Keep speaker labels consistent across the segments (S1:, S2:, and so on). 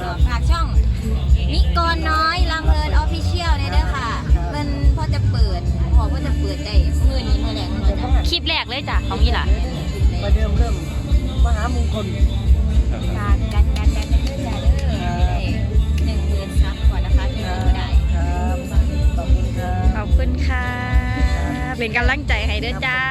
S1: ฝากช่องนิกรน้อยลำเพลินออฟฟิเชียลเนี่ยด้วยค่ะมันพอจะเปิดได้มือนี้มือแรก
S2: คลิปแรกเลยจ้ะของนี่ล่ะ
S3: ประเดิมเริ่มมหามงคล
S1: การเด้อจ้าเด้อ10,000 ซับก่อนนะคะที่ไม่ได้
S3: ขอบคุณครับ
S2: ขอบคุณค่ะเป็นกำลังใจให้เด้อจ้า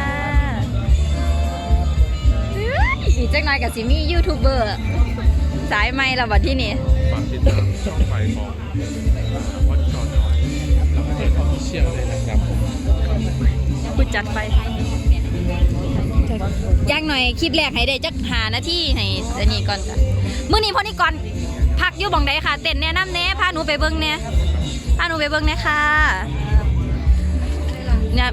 S2: อีกจักหน่อยกับซิมี่ยูทูบเบอร์สายไม่ละบัดที่นี่
S4: ฝากติดตามช่องไฟของวัดจอน้อยแล้วก็เด็กออฟฟิเชียลเลยนะครับ
S2: ผู้จัดไปย่างหน่อยคลิปแรกให้ได้จัก5 นาทีให้อันนี้ก่อนจ้ะมื้อนี้พอนี่ก่อนพักอยู่บ่งใดค่ะเต้นแนะนำแน่พาหนูไปเบิ่งแน่ค่ะเนี่ย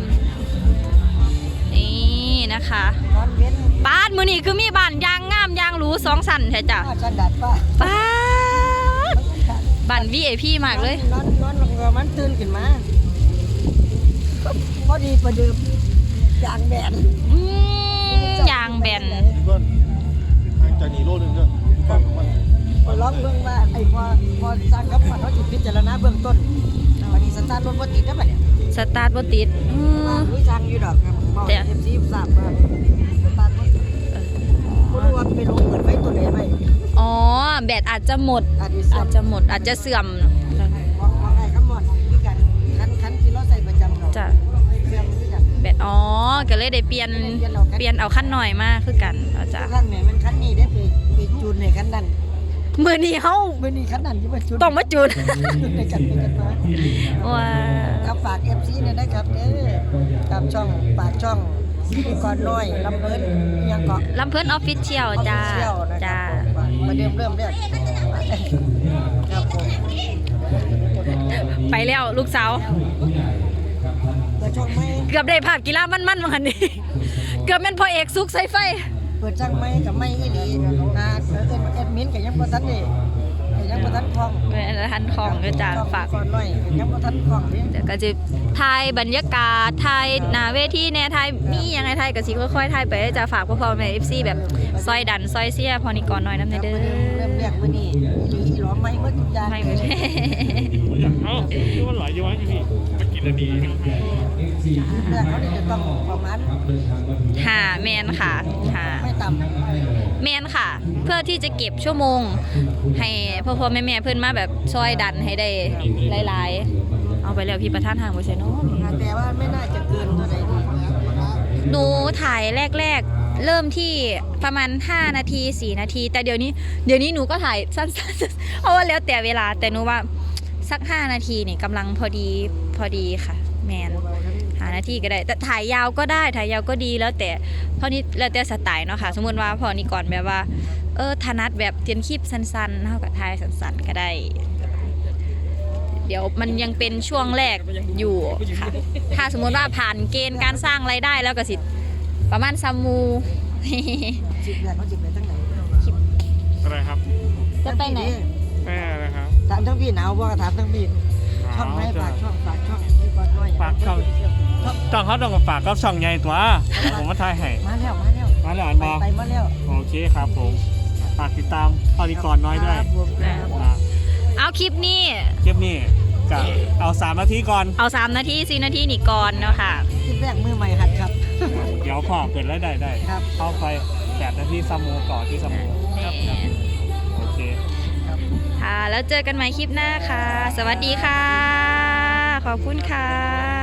S2: นี่นะคะบ้านมื้อนี้คือมีบ้านยางงามยางหรู2 ชั้นแท้จ้ะป้าบ้าน VIP มากเลย
S3: นอนลงเรือมันตื่นขึ้นมาพอดีประเดิมยางแบน
S2: ยางแบน
S4: จะหนีโลนึงด้วยฝั่งมัน
S3: พอร้องเบื้องว่าไอ้พอสร้างกับมันเขาจิตพิจารณาเบื้องต้นวันนี้สตาร์ทรถบ่ติดได้ป่ะเนี่ย
S2: สตาร์ทบ่ติด
S3: รู้ทางอยู่ดอกครับบอกFC ทราบว่าสตาร์ทบ่ติดบ่รู้ว่าไปลงเปิดไฟตัวไหนไว้
S2: อ๋อแบตอาจจะหมดอาจจะเสื่อม
S3: ว่าไงครับหมดคือกันคันที่เราใส่ประจำเรา
S2: จ้ะ
S3: เสื่อมคือกัน
S2: แบตอ๋อก็เลยได้เปลี่ยนเอาขั้นหน่อยมาคือกันจ้ะ
S3: ขั้นไหนมันขั้นนี้ได้ไปจูนในขั้นนั้น
S2: มื้อนี้เฮา
S3: มื้อนี้ขั้นนั้นที่มาจูน
S2: ต้องมาจูน
S3: ในกันมา
S2: ว้า
S3: ครับฝาก FC เนี่ยนะครับกับช่องปากช่องก่อนน้อยลำเพิ่นยังเกาะ
S2: ลำเพิ่นออฟฟิเชียลจ้า
S3: มาเริ่มเรื่องครับผม
S2: ไปแล้วลูกสาว
S3: เปิดช่องไหม
S2: เกือบได้ภาพกีฬามันๆวันนี้เกือบแม่นพ่อเอกสุกใส่ไฟ
S3: เปิดช่องไหมกับไม่อีหลีแอดมินกับยังบ่ทันนี่ยังบ่ทันคล่อง
S2: ทันคล่องก็จะฝาก
S3: ก่อนน้อยยังบ่ทันคล่อง
S2: เดี๋ยวก็จะถ่ายบรรยากาศถ่ายหน้าเวทีแน่ถ่ายมียังไงถ่ายก็สิค่อยๆถ่ายไปจะฝากพ่อๆแม่ FC แบบซอยดันซอยเสียพอนี่ก่อนหน่อยนำเด้อ
S3: เริ่มแรกมื้อนี้อีหลอมไม่หมดทุกอย่าง
S2: ไม่หมด
S4: เอ้าคือมันหลายอยู่วะอยู่นี่มากินแล้วดี
S3: แรกเขาจะต้องประมาณ
S2: แมนค่ะ
S3: ไม่ต่
S2: ำแมนค่ะเพื่อที่จะเก็บชั่วโมงให้พ่อๆแม่ๆเพื่อนมาแบบซอยดันให้ได้หลายๆเอาไปแล้วพี่ประธานทางบ่ใช่เนาะ
S3: แต่ว่าไม่น่าจะเกินเท่าไหร่
S2: หนูถ่ายแรกๆเริ่มที่ประมาณ5 นาที4 นาทีแต่เดี๋ยวนี้หนูก็ถ่ายสั้นๆเพราะว่าแล้วแต่เวลาแต่หนูว่าสัก5 นาทีนี่กำลังพอดีค่ะแมน5 นาทีก็ได้แต่ถ่ายยาวก็ได้ถ่ายยาวก็ดีแล้วแต่พอนี้แล้วแต่สไตล์เนาะค่ะสมมติว่าพอนี้ก่อนแบบว่าถนัดแบบเตียนคลิปสั้นๆเท่ากับถ่ายสั้นๆก็ได้เดี๋ยวมันยังเป็นช่วงแรกอยู่ค่ะถ้าสมมติว่าผ่านเกณฑ์การสร้างรายได้แล้วก็สิประมาณซัมมู
S3: จิบแรกเขาจิบไปทั้งไหน
S4: อะไรครับ
S2: จะไปไหน
S4: แม่อะไรครับ
S3: ถามทั้งพี่หนาวว่าถามทั้งพี่ช่องไหนฝากช่องให้ก่อนน้อย
S4: ฝากช่องเขาต้องฝากก็ช่องใหญ่ตัวผมมาถ่ายให้
S3: มาแล้ว
S4: อันบอก
S3: ไปมาแล้ว
S4: โอเคครับผมฝากติดตามตอนนี้ก่อนน้อยด้วย
S2: เอาคลิปนี้
S4: กับเอา3 นาทีก่อน
S2: เอา3 นาที4 นาทีนี่ก่อนเนาะค่ะ
S3: คลิปแรกมือใหม่หัดครับ
S4: เดี๋ยวพอเกิดแล้วได้เข้าไป8 นาทีซัมโมต่อที่ซัมโมโอเค
S2: ค่ะแล้วเจอกันใหม่คลิปหน้าค่ะสวัสดีค่ะขอบคุณค่ะ